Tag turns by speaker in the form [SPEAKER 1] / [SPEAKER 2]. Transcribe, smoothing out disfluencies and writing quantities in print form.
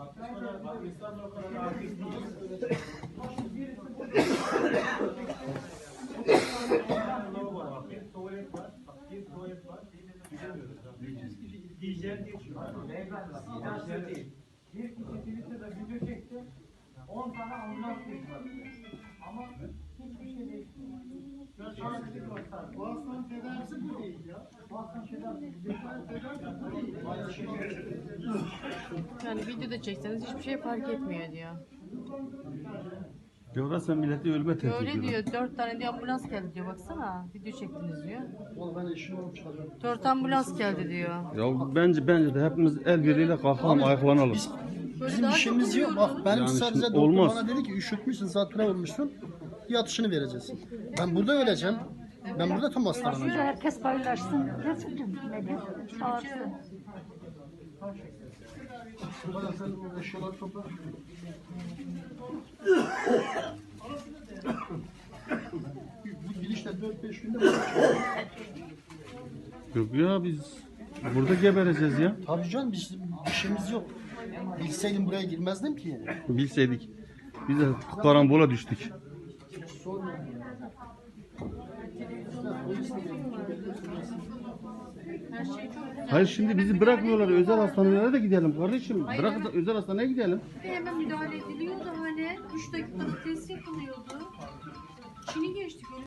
[SPEAKER 1] Tuvalet var. Bir tuvalet var. Hijyen geçiyor. Hijyen değil. Bir kişi Twitter'da video çekti. 10 tane ambulans geçti. Ama hiçbir şey değişmiyor. Bu hastanın tedavisi bu değil ya. Bu hastanın tedavisi bu değil.
[SPEAKER 2] Yani videoda çekseniz hiçbir şey fark etmiyor diyor.
[SPEAKER 3] Diyorlar sen milleti ölüme tehdit
[SPEAKER 2] Öyle
[SPEAKER 3] ediyorsun.
[SPEAKER 2] diyor. 4 tane diye ambulans geldi diyor. Baksana. Video çektiniz diyor.
[SPEAKER 4] Oğlum ben eşim olup çıkacağım.
[SPEAKER 2] 4 ambulans geldi diyor.
[SPEAKER 3] Ya bence de hepimiz el birliğiyle kalkalım, ayaklanalım.
[SPEAKER 4] Bizim işimiz yok. Bak benim
[SPEAKER 3] Yani
[SPEAKER 4] sadece
[SPEAKER 3] şimdi
[SPEAKER 4] doktor
[SPEAKER 3] olmaz.
[SPEAKER 4] bana dedi ki üşütmüşsün, zatüre olmuşsun. Yatışını vereceğiz. Ben burada öleceğim. Ben burada tam hastalanacağım.
[SPEAKER 5] Herkes paylaşsın. Resulcüm. Çağırsın.
[SPEAKER 4] Bana sen o eşyaları topla. Bu gidişle 4-5 günde
[SPEAKER 3] Yok ya biz burada gebereceğiz ya.
[SPEAKER 4] tabii canım bizim işimiz yok. Bilseydim buraya girmezdim ki.
[SPEAKER 3] Bilseydik. Biz de karambola düştük. Hayır şimdi bizi bırakmıyorlar. Özel hastanelere de gidelim kardeşim. Bırak da özel hastaneye gidelim.
[SPEAKER 2] Hemen müdahale ediliyordu hani. 3 dakikada test yapılıyordu. Çin'i geçtik.